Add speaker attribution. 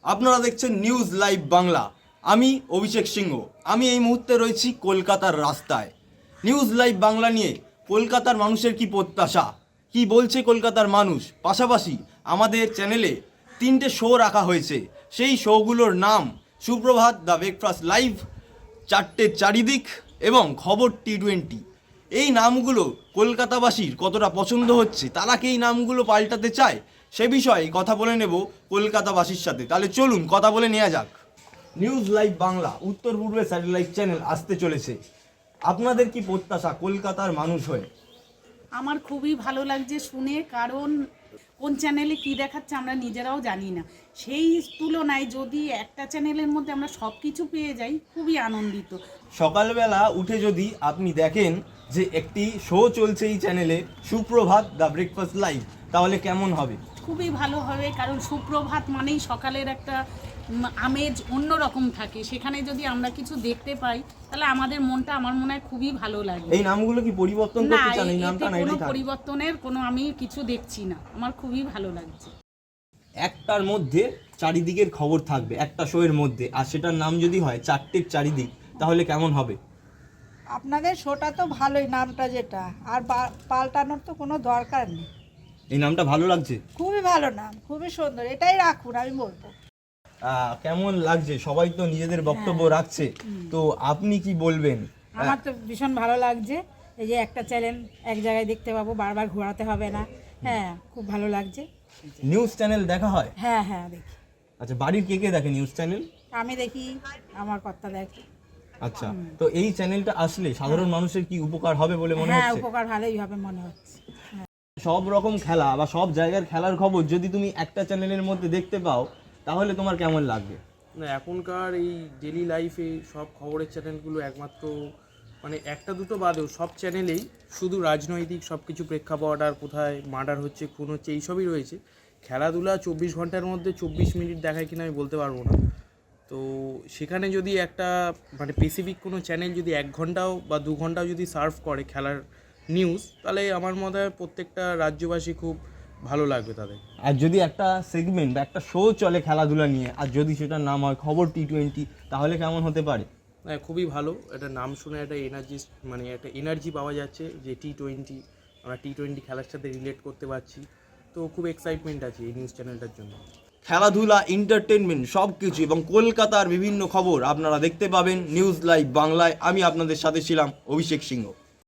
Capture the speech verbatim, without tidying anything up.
Speaker 1: আপনারা দেখছেন news live Bangla. আমি অভিষেক সিংহ। আমি এই মুহূর্তে রয়েছি কলকাতার রাস্তায়। নিউজ লাইভ বাংলা নিয়ে কলকাতার মানুষের কি প্রত্যাশা, কি বলছে কলকাতার মানুষ, পাশাপাশি আমাদের চ্যানেলে তিনটে শো রাখা হয়েছে। সেই শোগুলোর নাম সুপ্রভাত, দ্য ব্রেকফাস্ট লাইভ, চারটের চারিদিক এবং খবর টি টোয়েন্টি। এই নামগুলো কলকাতাবাসীর কতটা পছন্দ হচ্ছে, তারা কি এই নামগুলো পাল্টাতে চায়, সে বিষয়ে কথা বলে নেব কলকাতাবাসীর সাথে। তাহলে চলুন কথা বলে নেওয়া যাক। নিউজ লাইভ বাংলা উত্তর পূর্বে স্যাটেলাইট চ্যানেল আসতে চলেছে। আপনাদের কি প্রত্যাশা কলকাতার মানুষ হয়ে?
Speaker 2: আমার খুবই ভালো লাগছে শুনে, কারণ কোন চ্যানেলে কি দেখাচ্ছে আমরা নিজেরাও জানি না। সেই তুলনায় যদি একটা চ্যানেলের মধ্যে আমরা সব কিছু পেয়ে যাই, খুবই আনন্দিত।
Speaker 1: সকালবেলা উঠে যদি আপনি দেখেন যে একটি শো চলছে এই চ্যানেলে, সুপ্রভাত, দ্য ব্রেকফাস্ট লাইভ, তাহলে কেমন হবে?
Speaker 2: খুবই ভালো হবে, কারণ সুপ্রভাত মানেই সকালের একটা উম, আমেজ অন্যরকম থাকে। সেখানে যদি আমরা কিছু দেখতে পাই, তাহলে আমাদের মনটা, আমার মনে হয়, খুবই ভালো লাগে।
Speaker 1: এই নামগুলো কি পরিবর্তন
Speaker 2: না,
Speaker 1: করতে চান? এই নামটা
Speaker 2: এতে
Speaker 1: না
Speaker 2: কোনো
Speaker 1: এটাই থাকবে?
Speaker 2: পরিবর্তনের কোনো আমি কিছু দেখছি না। আমার খুবই ভালো লাগছে।
Speaker 1: একটার মধ্যে চারিদিকের খবর থাকবে একটা শোয়ের মধ্যে, আর সেটার নাম যদি হয় চারটের চারিদিক, তাহলে কেমন হবে?
Speaker 3: আপনাদের শোটা তো ভালোই, নামটা যেটা, আর বা- পাল্টানোর তো কোনো দরকার নেই।
Speaker 1: এই নামটা ভালো লাগছে?
Speaker 3: খুবই ভালো নাম, খুবই সুন্দর, এটাই রাখুন আমি বলবো।
Speaker 1: আহ, কেমন লাগছে? সবাই তো নিজেদের বক্তব্য রাখছে, তো আপনি কি বলবেন?
Speaker 4: আমার তো ভীষণ ভালো লাগছে, এই যে একটা চ্যানেল এক জায়গায় দেখতে পাবো, বারবার ঘোরাতে হবে না। হ্যাঁ, খুব ভালো লাগছে।
Speaker 1: নিউজ চ্যানেল দেখা হয়?
Speaker 4: হ্যাঁ হ্যাঁ দেখি,
Speaker 1: আচ্ছা, বাড়ির কে কে দেখে নিউজ চ্যানেল?
Speaker 4: আমি দেখি, আমার কর্তা দেখে।
Speaker 1: আচ্ছা, তো এই চ্যানেলটা আসলে সাধারণ মানুষের কি উপকার হবে বলে মনে
Speaker 4: হ্যাঁ,
Speaker 1: হচ্ছে?
Speaker 4: উপকার ভালোই হবে মনে হচ্ছে।
Speaker 1: সব রকম খেলা বা সব জায়গার খেলার খবর যদি তুমি একটা চ্যানেলের মধ্যে দেখতে পাও, তাহলে তোমার কেমন লাগবে?
Speaker 5: না, এখনকার এই ডেলি লাইফে সব খবরের চ্যানেলগুলো একমাত্র মানে একটা দুটো বাদেও সব চ্যানেলেই শুধু রাজনৈতিক সব কিছু প্রেক্ষাপট, আর কোথায় মার্ডার হচ্ছে, খুন হচ্ছে, এইসবই রয়েছে। খেলাধুলা চব্বিশ ঘন্টার মধ্যে চব্বিশ মিনিট দেখায় কিনা আমি বলতে পারবো না। তো সেখানে যদি একটা মানে স্পেসিফিক কোনো চ্যানেল যদি এক ঘন্টাও বা দু ঘন্টাও যদি সার্ভ করে খেলার নিউজ, তাহলে আমার মনে হয় প্রত্যেকটা রাজ্যবাসী খুব ভালো লাগবে তাদের।
Speaker 1: আর যদি একটা সেগমেন্ট বা একটা শো চলে খেলাধুলা নিয়ে, আর যদি সেটার নাম হয় খবর টি টোয়েন্টি, তাহলে কেমন হতে পারে?
Speaker 5: হ্যাঁ, খুবই ভালো। এটা নাম শুনে একটা এনার্জি, মানে একটা এনার্জি পাওয়া যাচ্ছে যে টি টোয়েন্টি, আমরা টি টোয়েন্টি খেলার সাথে রিলেট করতে পারছি। তো খুব এক্সাইটমেন্ট আছে এই নিউজ চ্যানেলটার জন্য।
Speaker 1: খেলাধুলা, এন্টারটেনমেন্ট সব কিছু এবং কলকাতার বিভিন্ন খবর আপনারা দেখতে পাবেন নিউজ লাইভ বাংলায়। আমি আপনাদের সাথে ছিলাম অভিষেক সিংহ।